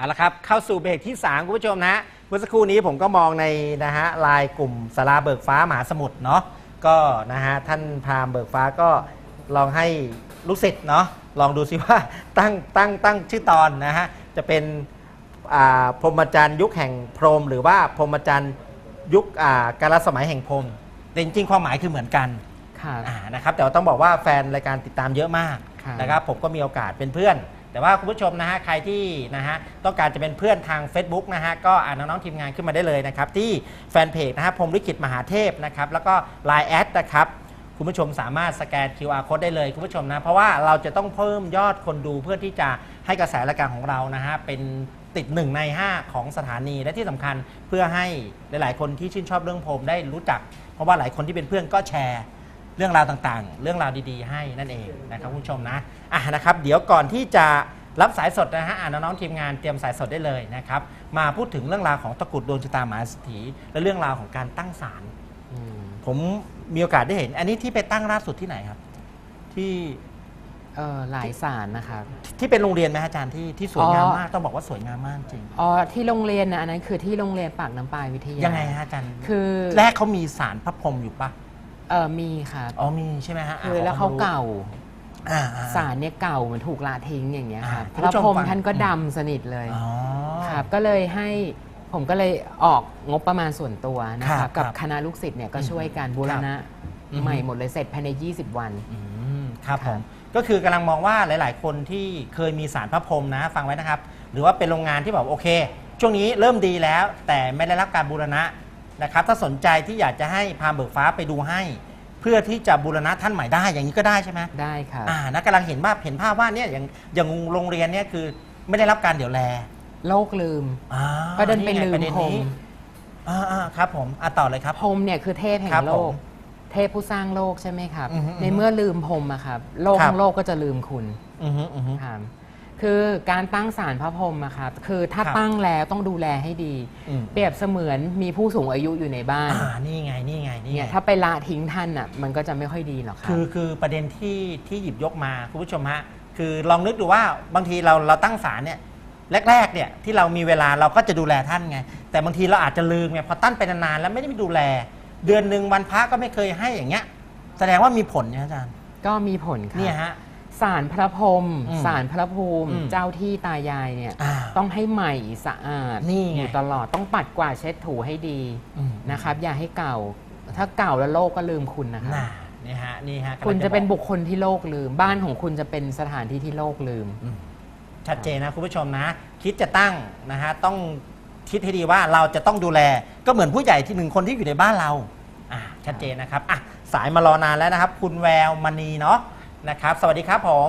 เอาละครับเข้าสู่เบรกที่3คุณผู้ชมนะเมื่อสักครู่นี้ผมก็มองในนะฮะไลน์กลุ่มศาลาเบิกฟ้ามหาสมุทรเนาะก็นะฮะท่านพราหมณ์เบิกฟ้าก็ลองให้ลูกศิษย์เนาะลองดูซิว่าตั้งชื่อตอนนะฮะจะเป็นพรหมจรรย์ยุคแห่งพรหมหรือว่าพรหมจรรย์ยุคกาลสมัยแห่งพรหมแต่จริงๆความหมายคือเหมือนกันนะครับแต่ว่าต้องบอกว่าแฟนรายการติดตามเยอะมากนะครับผมก็มีโอกาสเป็นเพื่อนแต่ว่าคุณผู้ชมนะฮะใครที่นะฮะต้องการจะเป็นเพื่อนทาง Facebook นะฮะก็น้องๆทีมงานขึ้นมาได้เลยนะครับที่แฟนเพจนะฮะพรหมลิขิตมหาเทพนะครับแล้วก็ Line แอดนะครับคุณผู้ชมสามารถสแกน QR Code ได้เลยคุณผู้ชมนะเพราะว่าเราจะต้องเพิ่มยอดคนดูเพื่อที่จะให้กระแสรายการของเรานะฮะเป็นติด1 ใน 5ของสถานีและที่สำคัญเพื่อให้หลายๆคนที่ชื่นชอบเรื่องพรหมได้รู้จักเพราะว่าหลายคนที่เป็นเพื่อนก็แชร์เรื่องราวต่างๆเรื่องราวดีๆให้นั่นเองนะครับคุณผู้ชมนะนะครับเดี๋ยวก่อนที่จะรับสายสดนะฮะน้องๆทีมงานเตรียมสายสดได้เลยนะครับมาพูดถึงเรื่องราวของตะกรุดดวงชะตามหาเศรษฐีและเรื่องราวของการตั้งศาลผมมีโอกาสได้เห็นอันนี้ที่ไปตั้งล่าสุดที่ไหนครับที่หลายศาลนะครับที่เป็นโรงเรียนไหมอาจารย์ที่สวยงามมากต้องบอกว่าสวยงามมากจริงที่โรงเรียนนะอันนั้นคือที่โรงเรียนปากน้ำปลายวิทยายังไงฮะอาจารย์คือแรกเขามีศาลพระพรหมอยู่ปะมีครับมีใช่ไหมฮะคือแล้วเขาเก่าศาลเนี่ยเก่าเหมือนถูกละทิ้งอย่างเงี้ยครับพระพรหมท่านก็ดำสนิทเลยครับก็เลยให้ผมก็เลยออกงบประมาณส่วนตัวนะครับกับคณะลูกศิษย์เนี่ยก็ช่วยกันบูรณะใหม่หมดเลยเสร็จภายใน20 วันครับผมก็คือกำลังมองว่าหลายๆคนที่เคยมีศาลพระพรหมนะฟังไว้นะครับหรือว่าเป็นโรงงานที่แบบโอเคช่วงนี้เริ่มดีแล้วแต่ไม่ได้รับการบูรณะนะครับถ้าสนใจที่อยากจะให้พราหมณ์เบิกฟ้าไปดูให้เพื่อที่จะบูรณะท่านใหม่ได้อย่างนี้ก็ได้ใช่ไหมได้ครับนะกำลังเห็นภาพว่าเนี่ยอย่างโรงเรียนเนี่ยคือไม่ได้รับการเดี๋ยวแลโลกลืมก็เดินไปลืมพรหมครับผมต่อเลยครับพรหมเนี่ยคือเทพแห่งโลกเทพผู้สร้างโลกใช่ไหมครับในเมื่อลืมพรหมอะครับโลกทั้งโลกก็จะลืมคุณครับคือการตั้งศาลพระพรหมอะครับคือถ้าตั้งแล้วต้องดูแลให้ดีเปรียบเสมือนมีผู้สูงอายุอยู่ในบ้านนี่ไงถ้าไปละทิ้งท่านอะมันก็จะไม่ค่อยดีหรอกครับคือประเด็นที่หยิบยกมาคุณผู้ชมฮะคือลองนึกดูว่าบางทีเราตั้งศาลเนี่ยแรกๆเนี่ยที่เรามีเวลาเราก็จะดูแลท่านไงแต่บางทีเราอาจจะลืมไงพอตั้งไปนานๆแล้วไม่ได้ดูแลเดือนหนึ่งวันพระก็ไม่เคยให้อย่างเงี้ยแสดงว่ามีผลนะอาจารย์ก็มีผลครับเนี่ยฮะศาลพระพรหมศาลพระภูมิเจ้าที่ตายายเนี่ยต้องให้ใหม่สะอาดอยู่ตลอดต้องปัดกวาดเช็ดถูให้ดีนะครับอย่าให้เก่าถ้าเก่าแล้วโลกก็ลืมคุณนะครับนี่ฮะคุณจะเป็นบุคคลที่โลกลืมบ้านของคุณจะเป็นสถานที่ที่โลกลืมชัดเจนนะคุณผู้ชมนะคิดจะตั้งนะฮะต้องคิดให้ดีว่าเราจะต้องดูแลก็เหมือนผู้ใหญ่ที่1 คนที่อยู่ในบ้านเราชัดเจนนะครับสายมารอนานแล้วนะครับคุณแววมณีเนาะนะครับสวัสดีครับผม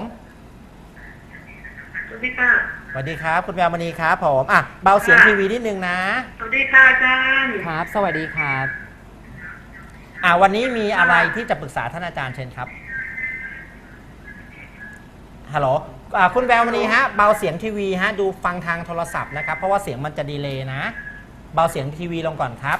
สวัสดีค่ะสวัสดีครับคุณแววมณีครับผมเบาเสียงทีวีนิดนึงนะสวัสดีค่ะอาจารย์ครับสวัสดีครับวันนี้มีอะไรที่จะปรึกษาท่านอาจารย์เชิญครับฮัลโหลคุณแววมณีฮะเบาเสียงทีวีฮะดูฟังทางโทรศัพท์นะครับเพราะว่าเสียงมันจะดีเลย์นะเบาเสียงทีวีลงก่อนครับ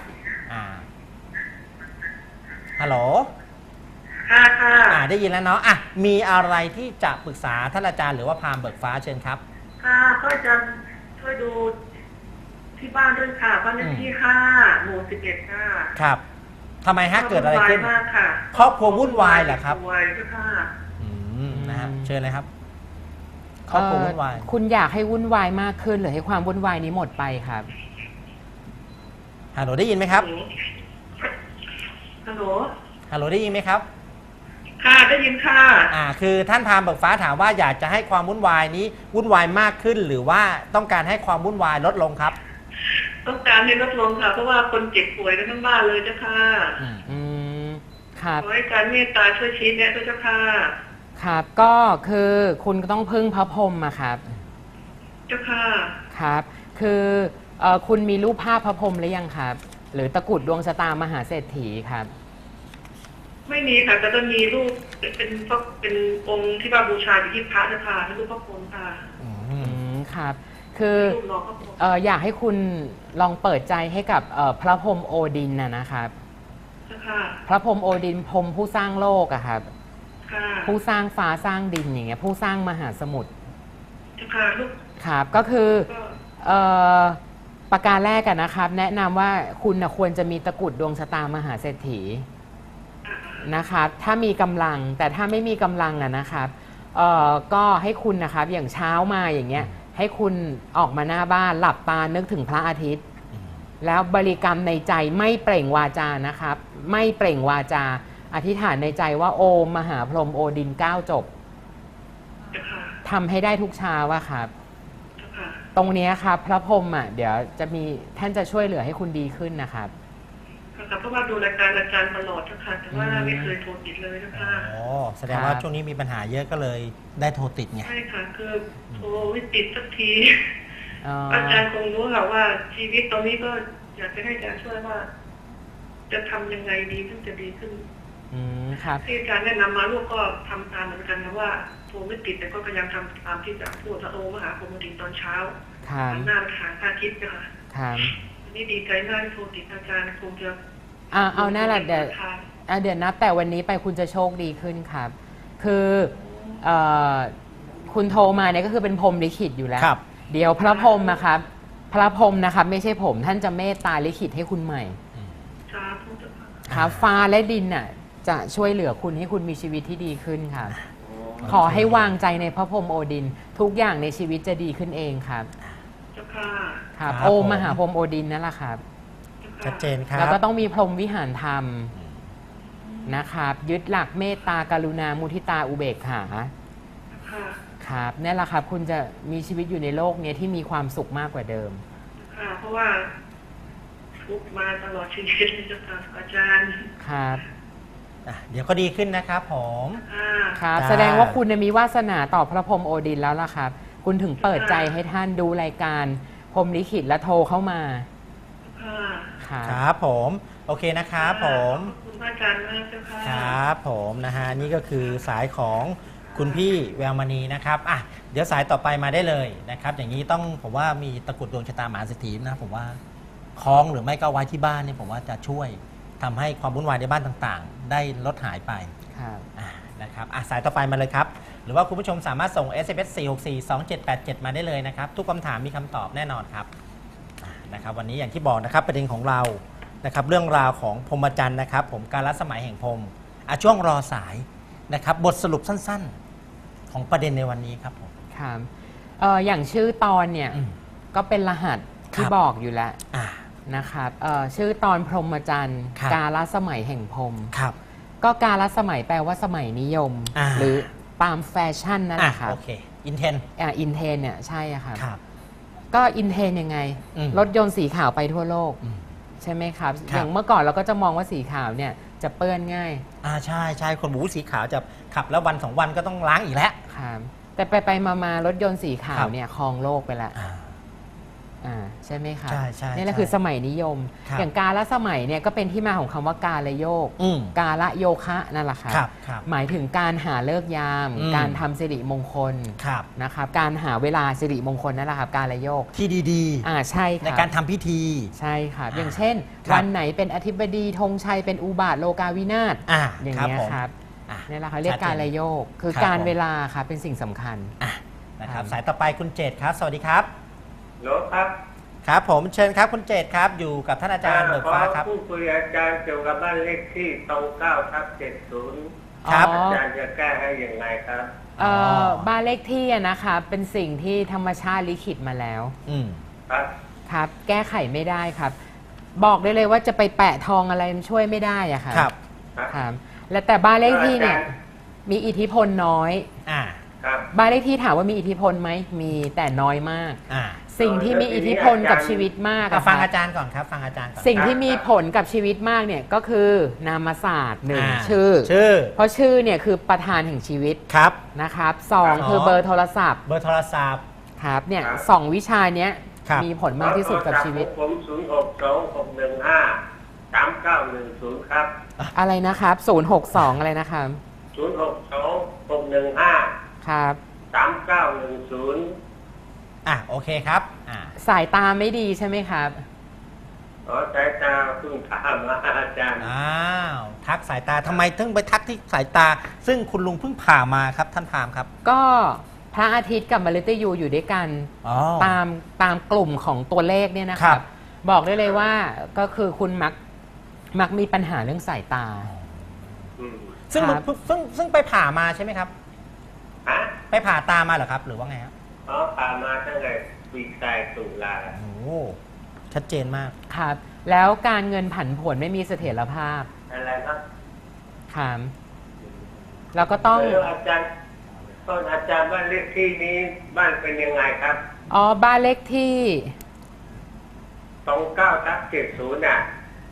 ฮัลโหลค่ะได้ยินแล้วเนาะมีอะไรที่จะปรึกษาท่านอาจารย์หรือว่าพราหมณ์เบิกฟ้าเชิญครับก็จะช่วยดูที่บ้านด้วยค่ะบ้านเลขที่5 หมู่ 11ค่ะครับทำไมฮะเกิดอะไรขึ้นค่ะครอบครัววุ่นวายเหรอครับวุ่นวายค่ะนะฮะเชิญเลยครับครอบครัววุ่นวายคุณอยากให้วุ่นวายมากขึ้นหรือให้ความวุ่นวายนี้หมดไปครับฮัลโหลได้ยินไหมครับฮัลโหลได้ยินไหมครับค่ะได้ยินค่ะคือท่านพราหมณ์เบิกฟ้าถามว่าอยากจะให้ความวุ่นวายนี้วุ่นวายมากขึ้นหรือว่าต้องการให้ความวุ่นวายลดลงครับต้องการให้ลดลงค่ะเพราะว่าคนเจ็บป่วยกันทั้งบ้านเลยเจ้าค่ะครับขอให้การเมตตาช่วยชี้แนะด้วยเจ้าค่ะครับก็คือคุณก็ต้องพึ่งพระพรหมอะครับเจ้าค่ะครับคือคุณมีรูปภาพพระพรหมหรือยังครับหรือตะกรุดดวงชะตามหาเศรษฐีครับไม่มีค่ะแต่จะมีรูปเป็นองค์ที่ว่าบูชาอยู่ที่พระเจ้าค่ะเป็นรูปพระพรหมค่ะครับคืออยากให้คุณลองเปิดใจให้กับพระพรหมโอดินนะครับพระพรหมโอดินพรหมผู้สร้างโลกอะครับผู้สร้างฟ้าสร้างดินอย่างเงี้ยผู้สร้างมหาสมุทรครับก็คือเอ่อประการแรกกันนะครับ แนะนำว่าคุณนะควรจะมีตะกรุดดวงชะตามหาเศรษฐีนะครับถ้ามีกำลังแต่ถ้าไม่มีกำลังนะครับก็ให้คุณนะครับอย่างเช้ามาอย่างเงี้ยให้คุณออกมาหน้าบ้านหลับตานึกถึงพระอาทิตย์แล้วบริกรรมในใจไม่เปล่งวาจานะครับไม่เปล่งวาจาอธิษฐานในใจว่าโอมมหาพรหมโอดิน9จบทำให้ได้ทุกเช้าว่าครับตรงนี้ครับพระพรหมเดี๋ยวจะมีท่านจะช่วยเหลือให้คุณดีขึ้นนะครับค่ะเพราะว่าดูรายการอาจารย์ตลอดเจ้าค่ะแต่ว่าไม่เคยโทรติดเลยเจ้าค่ะอ๋อแสดงว่าช่วงนี้มีปัญหาเยอะก็เลยได้โทรติดไงใช่ค่ะคือโทรไม่ติดสักทีอาจารย์คงรู้ค่ะว่าชีวิตตรงนี้ก็อยากจะให้อาจารย์ช่วยว่า จะทำยังไงดีถึงจะดีขึ้นครับที่อาจารย์แนะนำมาลูกก็ทำตามเหมือนกันนะว่าโทรไม่ติดแต่ก็พยายามทำตามที่อาจารย์พูดว่าโอมหาพรหมดินตอนเช้าหันหน้าไปหาพระอาทิตย์ค่ะนี่ดีใจมากที่โทรติดอาจารย์คงจะเอาหน้าละเดี๋ยวนับแต่วันนี้ไปคุณจะโชคดีขึ้นครับคือคุณโทรมาเนี่ยก็คือเป็นพรหมลิขิตอยู่แล้วเดี๋ยวพระพรหมนะครับพระพรหมนะครับไม่ใช่ผมท่านจะเมตตาลิขิตให้คุณใหม่ครับฟ้าและดินน่ะจะช่วยเหลือคุณให้คุณมีชีวิตที่ดีขึ้นครับขอให้วางใจในพระพรหมโอดินทุกอย่างในชีวิตจะดีขึ้นเองครับครับโอมหาพรหมโอดินนั่นแหละครับชัดเจนครับแล้วก็ต้องมีพรหมวิหารธรรมนะครับยึดหลักเมตตากรุณามุทิตาอุเบกขาครับนี่แหละครับคุณจะมีชีวิตอยู่ในโลกนี้ที่มีความสุขมากกว่าเดิมเพราะว่าทุกมาตลอดชีวิตเลยจ้ะค่ะอาจารย์ครับเดี๋ยวก็ดีขึ้นนะครับผมครับแสดงว่าคุณมีวาสนาต่อพระพรหมโอดินแล้วล่ะครับคุณถึงเปิดใจให้ท่านดูรายการพรหมลิขิตและโทรเข้ามาครับผมโอเคนะครับผมขอบคุณอาจารย์มากเจ้าค่ะครับผมนะฮะนี่ก็คือสายของคุณพี่แววมณีนะครับเดี๋ยวสายต่อไปมาได้เลยนะครับอย่างนี้ต้องผมว่ามีตะกรุดดวงชะตามหาเศรษฐีนะผมว่าคล้องหรือไม่ก็ไว้ที่บ้านเนี่ยผมว่าจะช่วยทำให้ความวุ่นวายในบ้านต่างๆได้ลดหายไปนะครับสายต่อไปมาเลยครับหรือว่าคุณผู้ชมสามารถส่ง SMS 4642787 มาได้เลยนะครับทุกคำถามมีคำตอบแน่นอนครับนะครับวันนี้อย่างที่บอกนะครับประเด็นของเรานะครับเรื่องราวของพรหมจรรย์นะครับผมการละสมัยแห่งพรหมช่วงรอสายนะครับบทสรุปสั้นๆของประเด็นในวันนี้ครับผมครับอย่างชื่อตอนเนี่ยก็เป็นรหัสที่บอกอยู่แล้วนะครับชื่อตอนพรหมจรรย์กาลสมัยแห่งพรหมก็กาลสมัยแปลว่าสมัยนิยมหรือตามแฟชั่นนั่นแหละครับโอเคอินเทนเนี่ยใช่ครับก็อินเทนยังไงรถยนต์สีขาวไปทั่วโลกใช่ไหมครับอย่างเมื่อก่อนเราก็จะมองว่าสีขาวเนี่ยจะเปื้อนง่ายใช่คนสีขาวจะขับแล้ววัน2 วันก็ต้องล้างอีกแล้วครับแต่ไปมารถยนต์สีขาวเนี่ยครองโลกไปแล้วใช่ไหมคะใช่นี่แหละคือสมัยนิยมอย่างกาลสมัยเนี่ยก็เป็นที่มาของคำว่ากาลโยกกาลโยคะนั่นแหละครับหมายถึงการหาฤกษ์ยามการทำสิริมงคลนะครับการหาเวลาสิริมงคลนั่นแหละครับกาลโยกที่ดีๆใช่ครับในการทำพิธีใช่ครับอย่างเช่นวันไหนเป็นอธิบดีธงชัยเป็นอุบาทโลกาวินาศอย่างนี้ครับนี่แหละครับเรียกกาลโยกคือการเวลาครับเป็นสิ่งสำคัญนะครับสายต่อไปคุณเจตครับสวัสดีครับโหลครับครับผมเชิญครับคุณเจตครับอยู่กับท่านอาจารย์เบิกฟ้าครับผู้คุยอาจารย์เกี่ยวกับบ้านเลขที่29/70 ครับอาจารย์จะแก้ให้อย่างไรครับบ้านเลขที่นะคะเป็นสิ่งที่ธรรมชาติลิขิตมาแล้วครับแก้ไขไม่ได้ครับบอกได้เลยว่าจะไปแปะทองอะไรมันช่วยไม่ได้อะครับและแต่บ้านเลขที่เนี่ยมีอิทธิพลน้อยบ้านเลขที่ถามว่ามีอิทธิพลไหมมีแต่น้อยมากสิ่งที่มีอิทธิพลกับชีวิตมากฟังอาจารย์ก่อนครับฟังอาจารย์ก่อนสิ่งที่มีผลกับชีวิตมากเนี่ยก็คือนามศาสตร์1ชื่อเพราะชื่อเนี่ยคือประธานแห่งชีวิตนะครับ2คือเบอร์โทรศัพท์ครับเนี่ย2วิชาเนี้ยมีผลมากที่สุดกับชีวิตผม0626153910ครับอะไรนะครับ062อะไรนะครับ 062615 ครับ 3910 โอเคครับสายตาไม่ดีใช่ไหมครับสายตาเพิ่งถามมาอาจารย์ทักสายตาทำไมถึงไปทักที่สายตาซึ่งคุณลุงเพิ่งผ่ามาครับท่านพามครับก็พระอาทิตย์กับมฤตยูอยู่ด้วยกันอ๋อตามกลุ่มของตัวเลขเนี่ยนะคครัรับ บ บอกได้เลยว่าก็คือคุณมักมีปัญหาเรื่องสายตาอืมซึ่งครับซึ่งไปผ่ามาใช่ไหมครับฮะไปผ่าตามาเหรอครับ หรือว่าไงครับอ๋อผ่านมาตั้งแต่ปีกายตุลาโอ้โหชัดเจนมากครับ แล้วการเงินผันผวนไม่มีเสถียรภาพอะไรครับครับแล้วก็ต้องแล้วอาจารย์บ้านเลขที่นี้บ้านเป็นยังไงครับอ๋อบ้านเลขที่ 29/70น่ะ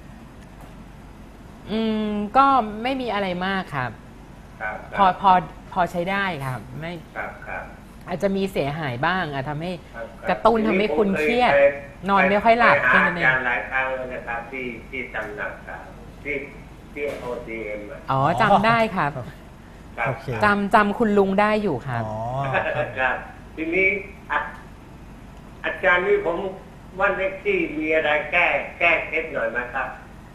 ก็ไม่มีอะไรมากครับครับพอใช้ได้ครับ ไม่ครับครับอาจจะมีเสียหายบ้างทำให้ครับกระตุ้นทำให้คุณเครียด นอนไม่ค่อยหลับไปแค่หานั้นอาเองจารย์หลายครั้งแล้วนะครับที่ตำหนักครับที่ OCM อ่ะอ๋อจำได้ครับครับโอเคจำคุณลุงได้อยู่ครับอ๋อครับทีนี้อาจารย์นี่ผมวันเลขที่มีอะไรแก้เคล็ดหน่อยไหมครับ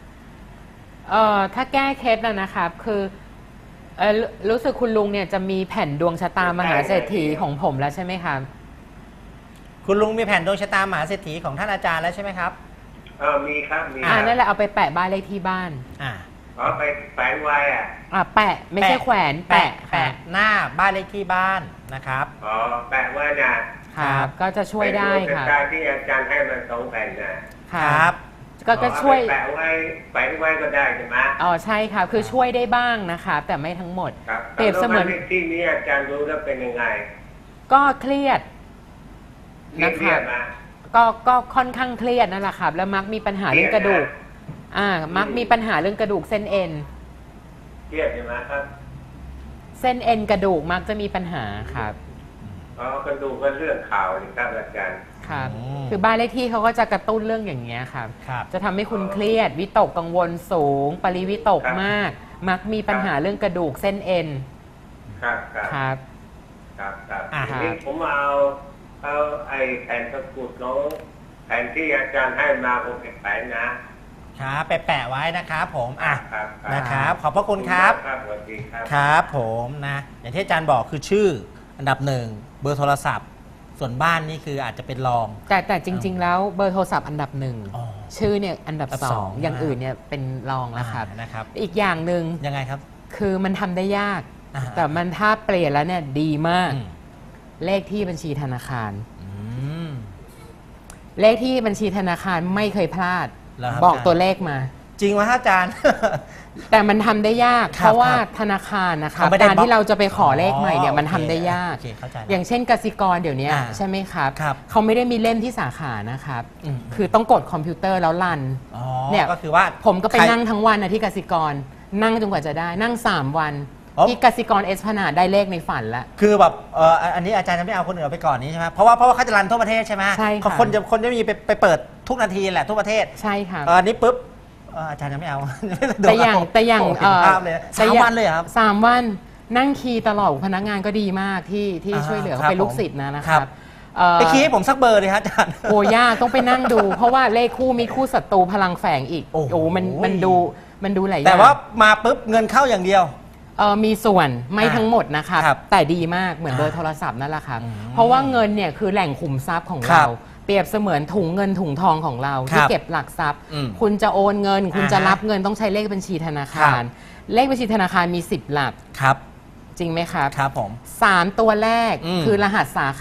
ถ้าแก้เคล็ดนะครับคือรู้สึกคุณลุงเนี่ยจะมีแผ่นดวงชะตามหาเศรษฐีของผมแล้วใช่ไหมครับคุณลุงมีแผ่นดวงชะตามหาเศรษฐีของท่านอาจารย์แล้วใช่ไหมครับมีครับมีนั่นแหละเอาไปแปะบ้านเลขที่บ้านอ่าไปแฝงไว้อ่ะแปะไม่ใช่แขวนแปะแปะหน้าบ้านเลขที่บ้านนะครับแปะไว้นะครับก็จะช่วยได้ครับเป็นดวงชะตาที่อาจารย์ให้มา2 แผ่นนะครับก็ช่วยแปะไว้แฝงไว้ก็ได้ใช่ไหมอ๋อใช่ครับคือช่วยได้บ้างนะครับแต่ไม่ทั้งหมดครับเปรียบเสมือนแล้วบ้านเลขที่นี้อาจารย์รู้แล้วเป็นยังไงก็เครียดเครียดมาก็ค่อนข้างเครียดนั่นแหละครับ แล้วมักมีปัญหาเรื่องกระดูกมักมีปัญหาเรื่องกระดูกเส้นเอ็นเครียดใช่ไหมครับเส้นเอ็นกระดูกมักจะมีปัญหาครับกระดูกก็เรื่องข่าวนี่ครับอาจารย์ครับอืมคือบ้านเลขที่เขาก็จะกระตุ้นเรื่องอย่างเงี้ยครับครับจะทำให้คุณเครียดวิตกกังวลสูง ปริวิตกมาก มักมีปัญหาเรื่องกระดูกเส้นเอ็นครับครับครับครับครับอ่าทีนี้ผมเอาไอ้แผ่นตะกรุดน้องแผ่นที่อาจารย์ให้มาผมเก็บไปนะครับไปแปะไว้นะครับผมครับนะครับ ขอบพระคุณครับครับสวัสดีครับครับผมนะอย่างที่อาจารย์บอกคือชื่ออันดับ 1 เบอร์โทรศัพท์ ส่วนบ้านนี่คืออาจจะเป็นรองแต่จริง ๆ แล้วเบอร์โทรศัพท์อันดับอ๋อ 1 ชื่อเนี่ยอันดับอันดับสอง 2 อย่างอื่นเนี่ยเป็นรองแล้วครับนะครับอีกอย่างหนึ่งยังไงครับคือมันทำได้ยากอ่าแต่มันถ้าเปลี่ยนแล้วเนี่ยดีมากอืมเลขที่บัญชีธนาคารอืมเลขที่บัญชีธนาคารไม่เคยพลาดเหรอครับบอกอาจารย์ตัวเลขมาจริงไหมครับอาจารย์แต่มันทำได้ยากครับเพราะว่าครับธนาคารนะคะเขาไม่ได้การที่เราจะไปขอเลขใหม่เนี่ยอ๋อมันทำได้ยากโอเคเข้าใจแล้วอย่างเช่นกสิกรเดี๋ยวนี้อ่าใช่ไหมครับครับเขาไม่ได้มีเล่มที่สาขานะครับอืมคือต้องกดคอมพิวเตอร์แล้วรันอ๋อเนี่ยก็คือว่าผมก็ไปใครนั่งทั้งวันนะที่กสิกร นั่งจนกว่าจะได้นั่ง 3 วันอ๋อที่กสิกรเอสพนาดได้เลขในฝันแล้วคือแบบอันนี้อาจารย์จะไม่เอาคนอื่นเอาไปก่อนนี้ใช่ไหมเพราะว่าเขาจะรันทั่วประเทศใช่ไหมใช่ค่ะคนจะมีไปเปิดทุกนาทีแหละทั่วประเทศใช่ครับอันนี้ปุ๊บอาจารย์จะไม่เอาแต่อย่างโเห็นภาพเลยสามวันเลยเหรอครับ 3 วันนั่งคีย์ตลอดพนักงานก็ดีมากที่อ่าช่วยเหลือครัเขาบเป็นลูกศิษย์นะครัครับ บ ไปคีย์ให้ผมสักเบอร์เลยครับอาจารย์โอ้ยากต้องไปนั่งดู เพราะว่าเลขคู่มีคู่ศัตรูพลังแฝงอีกโอ้โหมันดูหลายอย่างแต่ว่ามาปุ๊บเงินเข้าอย่างเดียวมีส่วนไม่ทั้งหมดนะครับครับแต่ดีมากเหมือนเบอร์โทรศัพท์นั่นแหละครับอืมเพราะว่าเงินเนี่ยคือแหล่งขุมทรัพย์ของครัเราบเปรียบเสมือนถุงเงินถุงทองของเราครับที่เก็บหลักทรัพย์อืมคุณจะโอนเงิน คุณจะอ่าฮะรับเงินต้องใช้เลขบัญชีธนาคาร เลขบัญชีธนาคารมี 10 หลักครับจริงไหมครับครับผม 3 ตัวแรกอืมคือรหัสสาขา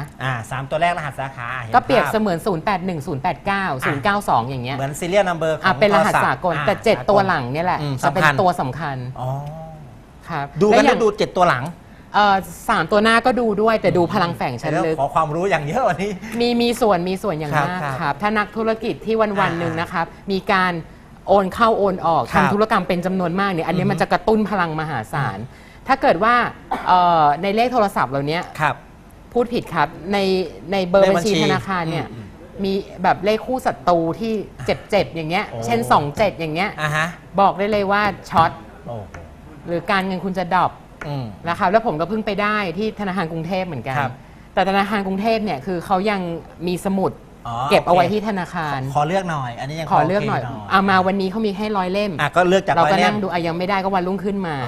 3 ตัวแรกรหัสสาขาห็นก็เปรียบภาพเสมือน 081 089 092 อย่างเงี้ยเหมือนซีเรียลนัมเบอร์ของเป็นรหัสโทศัพท์สากล แต่สากล 7 ตัวหลังเนี่ยแหละอืมจะเป็นสำคัญตัวสำคัญอ๋อครับดูกันและอย่าแล้วงดู7ตัวหลัง 3 ตัวหน้าก็ดูด้วยแต่ดูพลังแฝงชั้นลึกขอความรู้อย่างเยอะวันนี้มีส่วนอย่างครับมากครับครับ ถ้านักธุรกิจที่วันอ่าๆหนึ่งนะครับ มีการโอนเข้าโอนออกครับทำธุรกรรมเป็นจำนวนมากเนี่ยอันนี้อือฮึมันจะกระตุ้นพลังมหาศาล ถ้าเก ดว่าในเลขโทรศัพท์เหล่านี้ครับพูดผิดครับในเบอร์บัญชีธนาคารเนี่ยอืมมีแบบเลขคู่ศัตรูที่เจ็บอย่างเงี้ยโอ้เช่น 27 อย่างเงี้ยอ่าฮะบอกได้เลยว่าช็อตโอ้หรือการเงินคุณจะดรอปอืมนะครับแล้วผมก็เพิ่งไปได้ที่ธนาคารกรุงเทพเหมือนกันครับแต่ธนาคารกรุงเทพเนี่ยคือเขายังมีสมุดอ๋อเก็บเอาไว้โอเคที่ธนาคารขอเลือกหน่อย อันนี้ยังขอเลือกหน่อยโคเอามาวันนี้เขามีให้100 เล่มก็เลือกจากเราก็ 100 นั่งดูยังไม่ได้ก็วันรุ่งขึ้นมาอ๋อ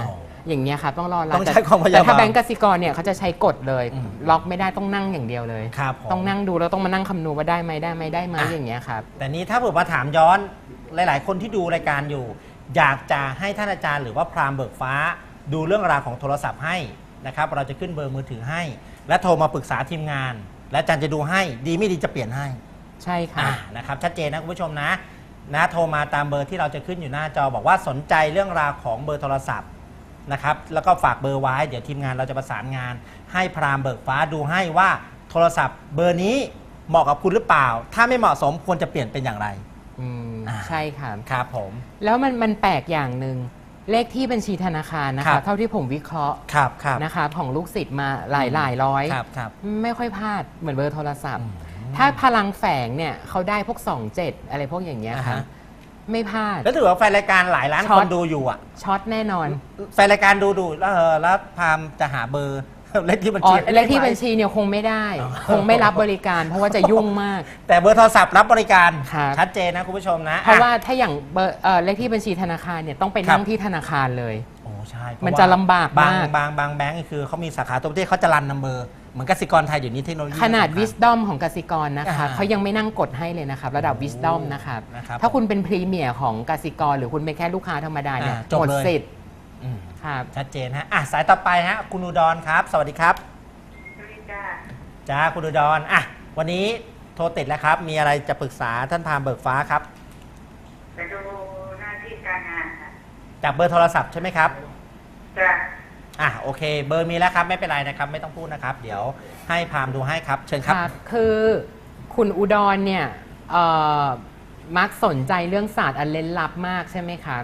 อย่างเงี้ยครับต้องรอรับต้องใช้ความพยายามแต่ถ้าแบงก์กสิกรเนี่ยเขาจะใช้กฎเลยอืมล็อกไม่ได้ต้องนั่งอย่างเดียวเลยครับผมต้องนั่งดูแล้วต้องมานั่งคำนวณว่าได้ไหมอย่างเงี้ยครับแต่นี้ถ้าผมมาถามย้อนหลาย ๆ คนที่ดูรายการอยู่ อยากจะให้ท่านอาจารย์หรือว่าพราหมณ์เบิกฟ้า ดูเรื่องราวของโทรศัพท์ให้นะครับเราจะขึ้นเบอร์มือถือให้ และโทรมาปรึกษาทีมงาน และอาจารย์จะดูให้ดีไม่ดีจะเปลี่ยนให้ใช่ค่ะนะครับชัดเจนนะคุณผู้ชมนะโทรมาตามเบอร์ที่เราจะขึ้นอยู่หน้าจอบอกว่าสนใจเรื่องราวของเบอร์โทรศัพท์นะครับแล้วก็ฝากเบอร์ไว้เดี๋ยวทีมงานเราจะประสานงาน ให้พราหมณ์เบิกฟ้าดูให้ว่าโทรศัพท์เบอร์นี้เหมาะกับคุณหรือเปล่า ถ้าไม่เหมาะสมควรจะเปลี่ยนเป็นอย่างไรใช่ค่ะครับผมแล้วมันแปลกอย่างหนึ่งเลขที่บัญชีธนาคารนะครัคะบเท่าที่ผมวิเคราะห์ครับนะคะของลูกศิษย์มาหลายร้อยครับไม่ค่อยพลาดเหมือนเบอร์โทรศัพท์ ถ้าพลังแฝงเนี่ยเขาได้พวก 27 อะไรพวกอย่างเงี้ยค่ะไม่พลาดแล้วถือว่าแฟนรายการหลายล้านช็คอตนดูอยู่อ่ะช็อตแน่นอนแฟนรายการดูแล้วพราหมณ์จะหาเบอร์ เลขที่บัญอ๋อชีเลขที่บัญชีเนี่ยคงไม่ได้ คงไม่รับบริการ เพราะว่าจะยุ่งมากแต่เบอร์โทรศัพท์รับบริการครับชัดเจนนะคุณผู้ชมนะเพราะว่าถ้าอย่างเบอร์เลขที่บัญชีธนาคารเนี่ยต้องไปนั่งที่ธนาคารเลยโอ้ใช่เพรามันว่าจะลำบากบางมากบางแบงก์คือเขามีสาขาตัวประเทศเขาจะรันนัมเบอร์เหมือนกสิกรไทยเดี๋ยวนี้เทคโนโลยีขนาดสำคัญ Wisdom ของกสิกรนะคะอ่าเขายังไม่นั่งกดให้เลยนะครับระดับ Wisdom นะครับนะครับถ้าคุณเป็นพรีเมียร์ของกสิกรหรือคุณเป็นแค่ลูกค้าธรรมดาเนี่ยจบหมดเลยสิทธิ์อืมครับชัดเจนฮะสายต่อไปฮะคุณอุดรครับ สวัสดีครับสวัสดีจ้าจ้าคุณอุดรวันนี้โทรติดแล้วครับ มีอะไรจะปรึกษาท่านพราหมณ์เบิกฟ้าครับไปดูหน้าที่การงานค่ะจากเบอร์โทรศัพท์ใช่ไหมครับจ้าโอเค เบอร์มีแล้วครับไม่เป็นไรนะครับ ไม่ต้องพูดนะครับ เดี๋ยวให้พราหมณ์ดูให้ครับ เชิญครับคือคุณอุดรเนี่ยมักสนใจเรื่องศาสตร์อันเล้นลับมากใช่ไหมครับ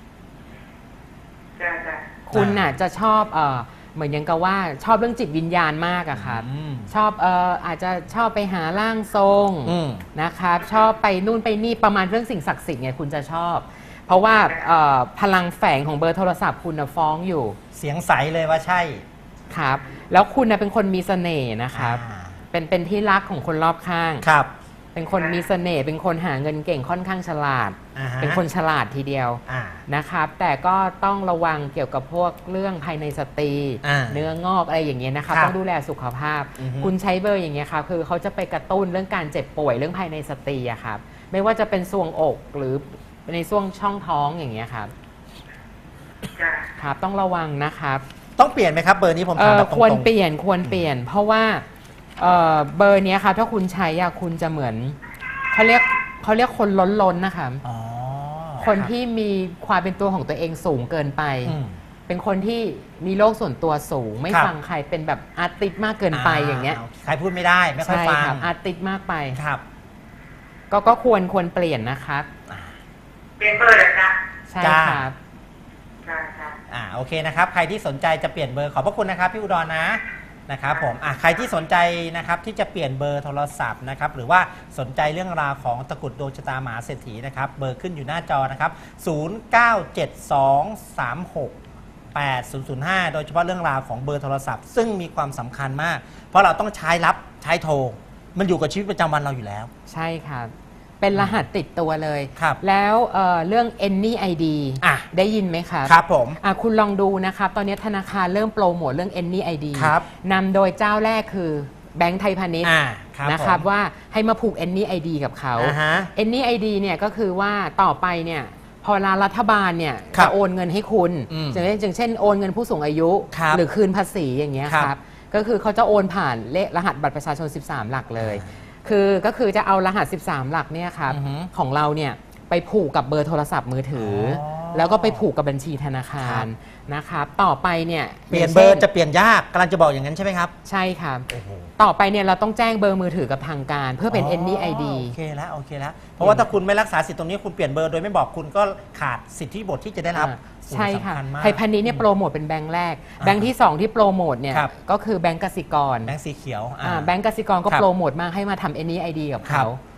จ้าคุณน่ะจะชอบเหมือนยังกับว่าชอบเรื่องจิตวิญญาณมากอะครับอืมชอบอาจจะชอบไปหาร่างทรงอืมนะครับชอบไปนู่นไปนี่ประมาณเรื่องสิ่งศักดิ์สิทธิ์ไงคุณจะชอบ เพราะว่าพลังแฝงของเบอร์โทรศัพท์คุณน่ะฟ้องอยู่เสียงใสเลยว่าใช่ครับแล้วคุณน่ะเป็นคนมีเสน่ห์นะครับอ่าเป็นที่รักของคนรอบข้างครับเป็นคนมีเสน่ห์เป็นคนหาเงินเก่งค่อนข้างฉลาด เป็นคนฉลาดทีเดียวอ่านะครับแต่ก็ต้องระวังเกี่ยวกับพวกเรื่องภายในสตรี เนื้องอกอะไรอย่างเงี้ยนะครับครับต้องดูแลสุขภาพอือฮึคุณใช้เบอร์อย่างเงี้ยครับคือเขาจะไปกระตุ้นเรื่องการเจ็บป่วยเรื่องภายในสตรีอะครับไม่ว่าจะเป็นทรวงอกหรือในช่วงช่องท้องอย่างเงี้ยครับจ้าครับต้องระวังนะครับต้องเปลี่ยนไหมครับ เบอร์นี้ผมถามแบบตรงๆควรเปลี่ยน เพราะว่าเบอร์เนี้ยครับถ้าคุณใช้อะคุณจะเหมือนเขาเรียกคนล้นนะคะอ๋อคนที่มีความเป็นตัวของตัวเองสูงเกินไปอืมเป็นคนที่มีโลกส่วนตัวสูง ไม่ครับฟังใครเป็นแบบอาร์ติสมากเกินไปอย่างเงี้ยใครพูดไม่ได้ไม่ค่อยใช่ฟังครับอาร์ติสมากไปครับก็ควรเปลี่ยนนะครับเป็นเบอร์เหรอจ๊ะใช่จ้าครับจ้าโอเคนะครับ ใครที่สนใจจะเปลี่ยนเบอร์ขอบพระคุณนะครับพี่อุดรนะครับผมใครที่สนใจนะครับที่จะเปลี่ยนเบอร์โทรศัพท์นะครับหรือว่าสนใจเรื่องราวของตะกรุดดวงชะตามหาเศรษฐีนะครับเบอร์ขึ้นอยู่หน้าจอนะครับ0972368005โดยเฉพาะเรื่องราวของเบอร์โทรศัพท์ ซึ่งมีความสำคัญมาก เพราะเราต้องใช้รับใช้โทร มันอยู่กับชีวิตประจำวันเราอยู่แล้วใช่ครับ เป็นรหัสติดตัวเลยครับแล้วเรื่อง Any ID ได้ยินไหมครับครับผมคุณลองดูนะครับ ตอนนี้ธนาคารเริ่มโปรโมทเรื่อง Any ID ครับนำโดยเจ้าแรกคือแบงก์ไทยพาณิชย์ครับนะครับผมว่าให้มาผูก Any ID กับเขาฮะ Any ID เนี่ยก็คือว่าต่อไปเนี่ยพอรัฐบาลเนี่ยครับจะโอนเงินให้คุณอืมอย่างเช่นโอนเงินผู้สูงอายุครับหรือคืนภาษีอย่างเงี้ยครับครับก็คือเขาจะโอนผ่านเลขรหัสบัตรประชาชน 13 หลักเลย ก็คือจะเอารหัส 13 หลักเนี่ยครับอือฮึของเราเนี่ยไปผูกกับเบอร์โทรศัพท์มือถือออแล้วก็ไปผูกกับบัญชีธนาคารนะครับต่อไปเนี่ยเปลี่ยนเบอร์จะเปลี่ยนยากกำลังจะบอกอย่างนั้นใช่ไหมครับใช่ครับโอ้โหต่อไปเนี่ยเราต้องแจ้งเบอร์มือถือกับทางการ เพื่อเป็น Any ID โอเคแล้วเพราะว่าถ้าคุณไม่รักษาสิทธิ์ตรงนี้คุณเปลี่ยนเบอร์โดยไม่บอกคุณก็ขาดสิทธิบทที่จะได้รับใช่ค่ะสำญมากไทยพาณิชย์เนี่ยโปรโมทเป็นแบงค์แรก แบงค์ที่ 2 ที่โปรโมทเนี่ยครับก็คือแบงก์กสิกรแบงค์สีเขียวแบงก์กสิกรก็ครับโปรโมทมาให้มาทำ Any ID กับครัเขาบ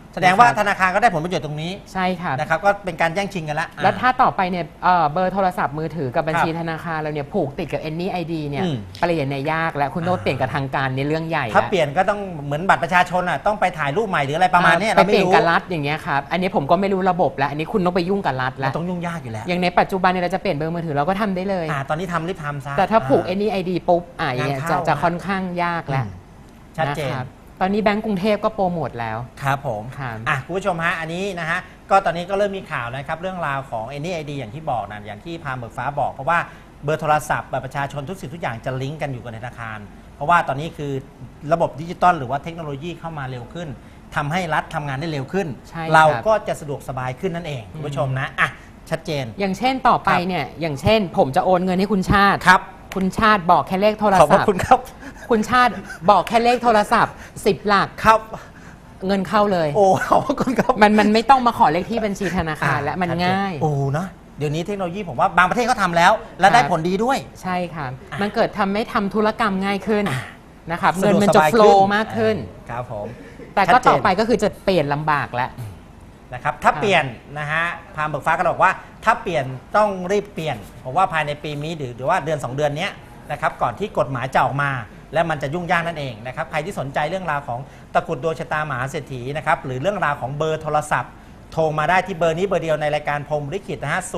แสดงว่าธนาคารก็ได้ผลประโยชน์ตรงนี้ใช่ค่ะนะครับก็เป็นการแย่งชิงกันละแล้วถ้าต่อไปเนี่ยเบอร์โทรศัพท์มือถือกับบัญชีธนาคารเราเนี่ยผูกติดกับ Any ID เนี่ยเปลี่ยนในยากและคุณโน้ตเปลี่ยนกับทางการในเรื่องใหญ่ถ้าเปลี่ยนก็ต้องเหมือนบัตรประชาชนอ่ะต้องไปถ่ายรูปใหม่หรืออะไรประมาณนี้ไปเราเปไม่ลี่ยนรู้กับรัฐอย่างเงี้ยครับอันนี้ผมก็ไม่รู้ระบบแล้วอันนี้คุณต้องไปยุ่งกับรัฐมัแล้วนต้องยุ่งยากอยู่แล้วอย่างในปัจจุบันเนี่ยเราจะเปลี่ยนเบอร์มือถือเราก็ทำได้เลยตอนนี้ทำรีบทำซะแต่ถ้าผูก Any ID ปุ๊บอย่างเงี้ยงานเข้าจะค่อนข้างยากแล้วชัดเจนนะครับตอนนี้แบงก์กรุงเทพก็โปรโมทแล้วครับผมครับคุณผู้ชมฮะอันนี้นะฮะก็ตอนนี้ก็เริ่มมีข่าวนะครับเรื่องราวของ Any ID อย่างที่บอกนะอย่างที่พามเบิกฟ้าบอกเพราะว่าเบอร์โทรศัพท์บัตรประชาชนทุกสิ่งทุกอย่างจะลิงก์กันอยู่กับธนาคาร เพราะว่าตอนนี้คือระบบดิจิตอลหรือว่าเทคโนโลยีเข้ามาเร็วขึ้นทำให้รัฐทำงานได้เร็วขึ้นใช่ครับเราก็จะสะดวกสบายขึ้นนั่นเองคุณผู้ชมนะชัดเจนอย่างเช่นต่อไปเนี่ยอย่างเช่น ผมจะโอนเงินให้คุณชาติครับคุณชาติบอกแค่เลขโทรขอบพศัระพท์คุณครับคุณชาติบอกแค่เลขโทรศัพท์10 หลักครับเงินเข้าเลยโอ้ขอบพระคุณครับมันไม่ต้องมาขอเลขที่บัญชีธนาคารและมันง่ายโอ้นะเดี๋ยวนี้เทคโนโลยีผมว่าบางประเทศเขาทำแล้ว และได้ผลดีด้วยใช่ค่ะ มันเกิดทำให้ทำธุรกรรมง่ายขึ้นนะครับสะดวกเงินมันจะสบายโฟลขึ้นว์มากขึ้นครับผมแต่ก็ต่อไปก็คือจะเปลี่ยนลำบากแล้วนะครับถ้าเปลี่ยนนะฮะพามเบิกฟ้าก็บอกว่าถ้าเปลี่ยนต้องรีบเปลี่ยนผมว่าภายในปีนี้หรือว่าเดือน 2 เดือนนี้นะครับก่อนที่กฎหมายจะออกมา และมันจะยุ่งยากนั่นเองนะครับใครที่สนใจเรื่องราวของตะกรุดดวงชะตามหาเศรษฐีนะครับหรือเรื่องราวของเบอร์โทรศัพท์โทรมาได้ที่เบอร์นี้เบอร์เดียวในรายการพรหมลิขิตนะฮะ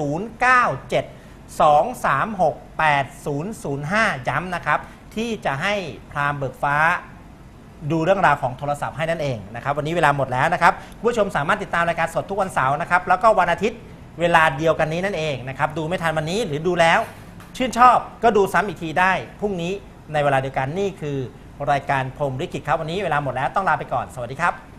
097-236-8005 ย้ำนะครับที่จะให้พราหมณ์เบิกฟ้าดูเรื่องราวของโทรศัพท์ให้นั่นเองนะครับวันนี้เวลาหมดแล้วนะครับผู้ชมสามารถติดตามรายการสดทุกวันเสาร์นะครับแล้วก็วันอาทิตย์เวลาเดียวกันนี้นั่นเองนะครับดูไม่ทันวันนี้หรือดูแล้วชื่นชอบก็ดูซ้ำอีกทีได้พรุ่งนี้ในเวลาเดียวกันนี่คือรายการพรหมลิขิตครับวันนี้เวลาหมดแล้วต้องลาไปก่อนสวัสดีครับ